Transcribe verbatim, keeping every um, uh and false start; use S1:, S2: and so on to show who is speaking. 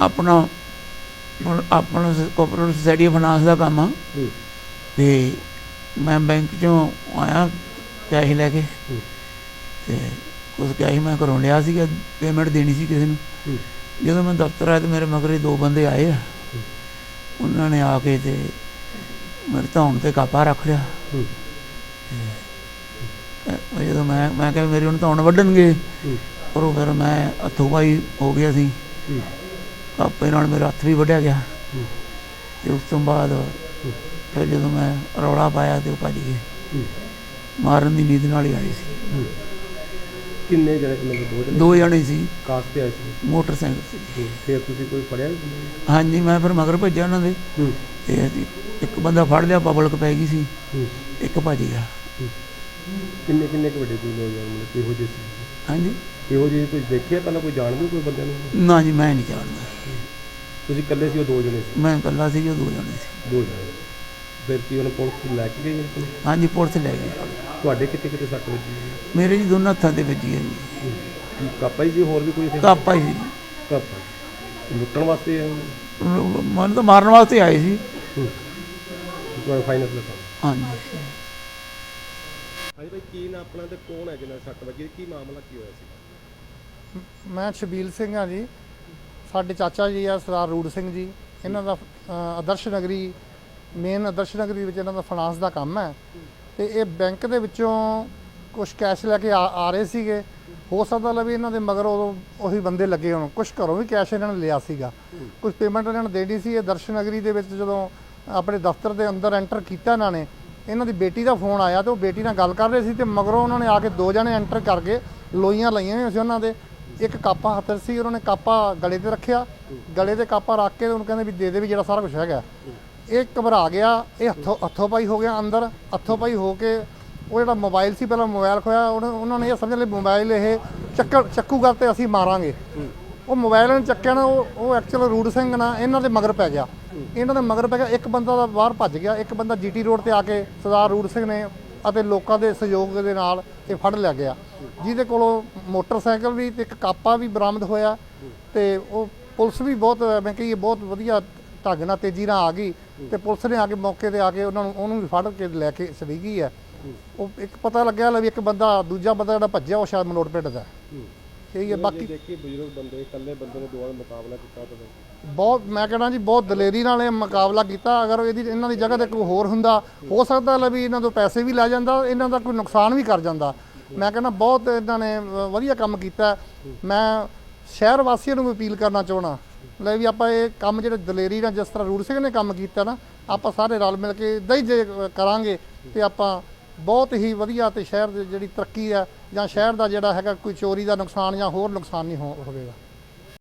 S1: अपना अपना cooperative society finance का काम आ ते मैं बैंक चों आया कैश लैके ते कुछ कैश मैं घरों लिया सीगा पेमेंट देनी सी किसी नूं। ਜਦੋਂ मैं दफ्तर आया तो मेरे मगर दो बंदे आए आ उन्होंने आके ते मेरे धौन ते कापा रख लिया। जो मैं मैं क्या मेरी उन्हें धौन वड्डणगे पर फिर मैं हथों पाई हो गया सी कापे नाल मेरा हथ भी वड्ढिया गया ते उस तो बाद फिर जो मैं रौला पाया तो भज गए मारन की नींद नाल ही आए सी।
S2: किन्ने जने मतलब दो जने
S1: दो जने सी
S2: कार ते आए सी
S1: मोटरसाइकिल से।
S2: फिर तुसीं कोई फड़िया?
S1: हाँ जी मैं फिर मगर भेजा उन्होंने ते एक बंदा फड़ लिया पब्लिक पै गई सी एक भज गया।
S2: किन्ने किन्ने क वड्डे कोई नौजवान मतलब किहो ਜਿਹੇ ਸੀ?
S1: हाँ जी
S2: किहो ਜਿਹੇ कुछ देखिया पहला कोई जानदे कोई बंदे ਨੂੰ?
S1: ना जी मैं नहीं जानता।
S2: ਤੁਸੀਂ ਇਕੱਲੇ ਸੀ ਉਹ ਦੋ ਜਣੇ ਸੀ?
S1: मैं कला सी जो दो जने सी।
S2: ਦੋ ਜਣੇ ਫਿਰ ਕੀ ਉਹਨੇ ਪੁਲਿਸ ਲੈ ਕੇ ਗਈ ਆਪਣੇ?
S1: हाँ जी पुलिस लै गई।
S2: ਤੁਹਾਡੇ ਕਿਤੇ ਕਿਤੇ ਸੱਟ ਵੱਜੀ?
S1: मेरे जी दोनों हत्थों से बजी है जी।
S2: ਕੀ ਕਾਪਾ ਹੀ ਸੀ ਹੋਰ ਵੀ ਕੋਈ ਸੀ?
S1: कापा ही सी।
S2: ਕਾਪਾ ਲੁੱਟਣ ਵਾਸਤੇ ਆਏ ਹੋਣੇ?
S1: मन तो मारन वास्ते आए सी।
S2: ਤੁਹਾਡਾ ਫਾਈਨੈਂਸ ਦਾ ਕੰਮ?
S1: हाँ जी
S2: ਹਾਂਜੀ ਭਾਈ ਕੀ ਨਾ ਆਪਣਾ ਤੇ ਕੌਣ ਹੈ ਜਿਹਨਾਂ ਸੱਟ ਵੱਜੀ ਕੀ ਮਾਮਲਾ ਕੀ ਹੋਇਆ ਸੀ?
S3: ਮੈਂ ਸ਼ਬੀਲ ਸਿੰਘ ਹਾਂ ਜੀ। ਸਾਡੇ ਚਾਚਾ ਜੀ ਆ ਸਰਦਾਰ ਰੂੜ ਸਿੰਘ ਜੀ, ਇਹਨਾਂ ਦਾ ਅ, ਆਦਰਸ਼ ਨਗਰੀ ਮੇਨ ਆਦਰਸ਼ ਨਗਰੀ ਵਿੱਚ ਇਹਨਾਂ ਦਾ ਫਾਈਨਾਂਸ ਦਾ ਕੰਮ ਹੈ ਤੇ ਇਹ ਬੈਂਕ ਦੇ ਵਿੱਚੋਂ ਕੁਝ ਕੈਸ਼ ਲੈ ਕੇ ਆ ਆ ਰਹੇ ਸੀਗੇ। ਹੋ ਸਕਦਾ ਲਾ ਵੀ ਇਹਨਾਂ ਦੇ ਮਗਰ ਉਦੋਂ ਉਹੀ ਬੰਦੇ ਲੱਗੇ ਹੋਣ, ਕੁਝ ਘਰੋਂ ਵੀ ਕੈਸ਼ ਇਹਨਾਂ ਨੇ ਲਿਆ ਸੀਗਾ, ਕੁਝ ਪੇਮੈਂਟ ਇਹਨਾਂ ਨੇ ਦੇਣੀ ਸੀ। ਇਹ ਆਦਰਸ਼ ਨਗਰੀ ਦੇ ਵਿੱਚ ਜਦੋਂ ਆਪਣੇ ਦਫ਼ਤਰ ਦੇ ਅੰਦਰ ਐਂਟਰ ਕੀਤਾ ਇਹਨਾਂ ਨੇ, ਇਹਨਾਂ ਦੀ ਬੇਟੀ ਦਾ ਫੋਨ ਆਇਆ ਤੇ ਉਹ ਬੇਟੀ ਨਾਲ ਗੱਲ ਕਰ ਰਹੇ ਸੀ ਤੇ ਮਗਰੋਂ ਉਹਨਾਂ ਨੇ ਆ ਕੇ ਦੋ ਜਣੇ ਐਂਟਰ ਕਰਕੇ ਲੋਈਆਂ ਲਾਈਆਂ ਹੋਈਆਂ ਸੀ ਉਹਨਾਂ ਦੇ। ਇੱਕ ਕਾਪਾ ਹੱਥ ਸੀ, ਉਹਨਾਂ ਨੇ ਕਾਪਾ ਗਲੇ ਤੇ ਰੱਖਿਆ, ਗਲੇ ਤੇ ਕਾਪਾ ਰੱਖ ਕੇ ਉਹਨੂੰ ਕਹਿੰਦੇ ਵੀ ਦੇ ਦੇ ਵੀ ਜਿਹੜਾ ਸਾਰਾ ਕੁਝ ਹੈਗਾ। ਇਹ ਘਬਰਾ ਗਿਆ, ਇਹ ਹੱਥੋਂ ਹੱਥੋਂ ਪਾਈ ਹੋ ਗਿਆ ਅੰਦਰ। ਹੱਥੋਂ ਪਾਈ ਹੋ ਕੇ ਉਹ ਜਿਹੜਾ ਮੋਬਾਈਲ ਸੀ ਪਹਿਲਾਂ ਮੋਬਾਈਲ ਖੋਇਆ, ਉਹਨਾਂ ਨੇ ਇਹ ਸਮਝ ਲਿਆ ਮੋਬਾਈਲ ਇਹ ਚੱਕ ਚੱਕੂਗਾ ਤੇ ਅਸੀਂ ਮਾਰਾਂਗੇ। ਉਹ ਮੋਬਾਈਲ ਨੇ ਚੱਕਿਆ ਨਾ, ਉਹ ਉਹ ਐਕਚੁਅਲ ਰੂੜ ਸਿੰਘ ਨਾ ਇਹਨਾਂ ਦੇ ਮਗਰ ਪੈ ਗਿਆ। ਇਹਨਾਂ ਦੇ ਮਗਰ ਪੈ ਗਿਆ, ਇੱਕ ਬੰਦਾ ਦਾ ਬਾਹਰ ਭੱਜ ਗਿਆ, ਇੱਕ ਬੰਦਾ ਜੀਟੀ ਰੋਡ ਤੇ ਆ ਕੇ ਸਰਦਾਰ ਰੂੜ ਸਿੰਘ ਨੇ ਅਤੇ ਲੋਕਾਂ ਦੇ ਸਹਿਯੋਗ ਦੇ ਨਾਲ ਇਹ ਫੜ ਲਿਆ ਗਿਆ, ਜਿਹਦੇ ਕੋਲੋਂ ਮੋਟਰਸਾਈਕਲ ਵੀ ਤੇ ਇੱਕ ਕਾਪਾ ਵੀ ਬਰਾਮਦ ਹੋਇਆ। ਤੇ ਉਹ ਪੁਲਿਸ ਵੀ ਬਹੁਤ ਮੈਂ ਕਹੀਏ ਬਹੁਤ ਵਧੀਆ ਢੰਗ ਨਾਲ ਤੇਜ਼ੀ ਨਾਲ ਆ ਗਈ ਤੇ ਪੁਲਿਸ ਨੇ ਆ ਕੇ ਮੌਕੇ ਤੇ ਆ ਕੇ ਉਹਨਾਂ ਨੂੰ ਉਹਨੂੰ ਵੀ ਫੜ ਕੇ ਲੈ ਕੇ ਚਲੀ ਗਈ ਹੈ। ਉਹ ਇੱਕ ਪਤਾ ਲੱਗਿਆ ਲੈ ਵੀ ਇੱਕ ਬੰਦਾ ਦੂਜਾ ਬੰਦਾ ਜਿਹੜਾ ਭੱਜਿਆ ਉਹ ਸ਼ਾਇਦ ਮਲੋਟ ਪਿੰਡ ਦਾ ਇਹੀ ਹੈ। ਬਾਕੀ
S2: ਦੇਖੀ ਬਜ਼ੁਰਗ ਬੰਦੇ ਇਕੱਲੇ ਬੰਦੇ ਨੇ ਦੋਵਾਂ ਦਾ ਮੁਕਾਬਲਾ ਕੀਤਾ ਤਾਂ
S3: ਬਹੁਤ ਮੈਂ ਕਹਿਣਾ ਜੀ ਬਹੁਤ ਦਲੇਰੀ ਨਾਲ ਇਹ ਮੁਕਾਬਲਾ ਕੀਤਾ। ਅਗਰ ਇਹਦੀ ਇਹਨਾਂ ਦੀ ਜਗ੍ਹਾ ਤੇ ਕੋਈ ਹੋਰ ਹੁੰਦਾ ਹੋ ਸਕਦਾ ਲੈ ਵੀ ਇਹਨਾਂ ਤੋਂ ਪੈਸੇ ਵੀ ਲੈ ਜਾਂਦਾ, ਇਹਨਾਂ ਦਾ ਕੋਈ ਨੁਕਸਾਨ ਵੀ ਕਰ ਜਾਂਦਾ। ਮੈਂ ਕਹਿੰਦਾ ਬਹੁਤ ਇਹਨਾਂ ਨੇ ਵਧੀਆ ਕੰਮ ਕੀਤਾ। ਮੈਂ ਸ਼ਹਿਰ ਵਾਸੀਆਂ ਨੂੰ ਵੀ ਅਪੀਲ ਕਰਨਾ ਚਾਹੁੰਦਾ ਲੈ ਵੀ ਆਪਾਂ ਇਹ ਕੰਮ ਜਿਹੜੇ ਦਲੇਰੀ ਨਾਲ ਜਿਸ ਤਰ੍ਹਾਂ ਰੂੜ ਸਿੰਘ ਨੇ ਕੰਮ ਕੀਤਾ ਨਾ, ਆਪਾਂ ਸਾਰੇ ਰਲ ਮਿਲ ਕੇ ਇੱਦਾਂ ਹੀ ਜੇ ਕਰਾਂਗੇ ਤੇ ਆਪਾਂ ਬਹੁਤ ਹੀ ਵਧੀਆ ਤੇ ਸ਼ਹਿਰ ਦੀ ਜਿਹੜੀ ਤਰੱਕੀ ਹੈ ਜਾਂ ਸ਼ਹਿਰ ਦਾ ਜਿਹੜਾ ਹੈਗਾ ਕੋਈ ਚੋਰੀ ਦਾ ਨੁਕਸਾਨ ਜਾਂ ਹੋਰ ਨੁਕਸਾਨ ਨਹੀਂ ਹੋ ਹੋਵੇਗਾ।